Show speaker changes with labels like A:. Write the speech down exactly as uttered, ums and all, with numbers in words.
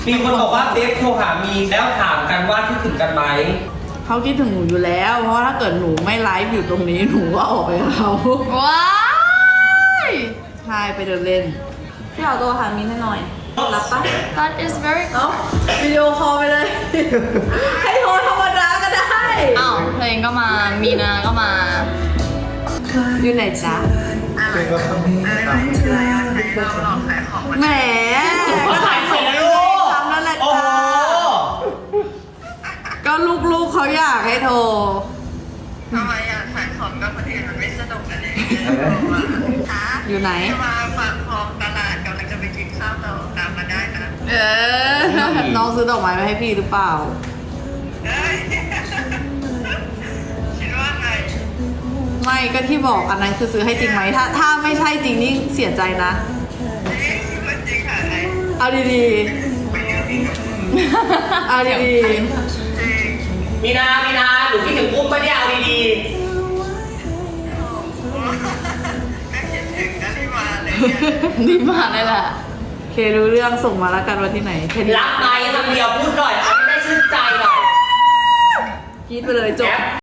A: มีคนบอกว่าเบฟโทรหามีแล้วถามกันว่าคิดถึงกันไหม
B: เขาคิดถึงหนูอยู่แล้ว เพราะว่าถ้าเกิดหนูไม่ไลฟ์อยู่ตรงนี้หนูก็ออกไปกับเขา
C: ว้าย
B: ใช่ไปเดินเล่นพี่เอาตัวหามินให้หน่อยรับปะ
C: That is very
B: เอ้าวิดีโอคอลไปเลย ให้โทรธรรมดาก็ได้
C: อ้าวเพลงก็มา มีนาก็มา
B: อยู่ไหนจ๊ะ
D: เป็นก็ต้อง
B: แหม
A: ก็ขายเสร็จแล้วลูก
B: ทำแล้วแหละ
A: โอ้
B: จ้า
A: โห
B: ก็ลูกๆเขาอยากให้โทร
D: ทำไมอ่ะขายของกับคนอื่นมันไม่สนุกกันเลยคะ
B: อยู่ไหน
D: มาฝากของตลาดกำลังจะไปกินข้าวเราตามมาได้นะ
B: เออ น้องซื้อดอกไม้มาให้พี่หรือเปล่า
D: เอ้ยคิดว่าไง
B: ไม่ก็ที่บอกอันนั้นคือซื้อให้จริงไหมถ้าถ้าไม่ใช่จริงนี่เสียใจนะ
D: นี่คิดว่าจริงค่ะไอ้
B: เอาดีๆ เอาดี
D: จริง
A: มีนามีนาหนูคิดถึงอุ้มปะเนี่ยเอาดี
D: แม่คิดถึงนะที่มาเลยเนี่ย
B: ๆ นี่มาเลยแหละโอเครู้เรื่องส่งมาแล้วกันวันที่ไหนแค่นี้
A: ๆรักไหมคำเดียวพูดหน่อยเอาให้ได้ชื่นใจหน่อย
B: คิดไปเลยจบ
A: แอป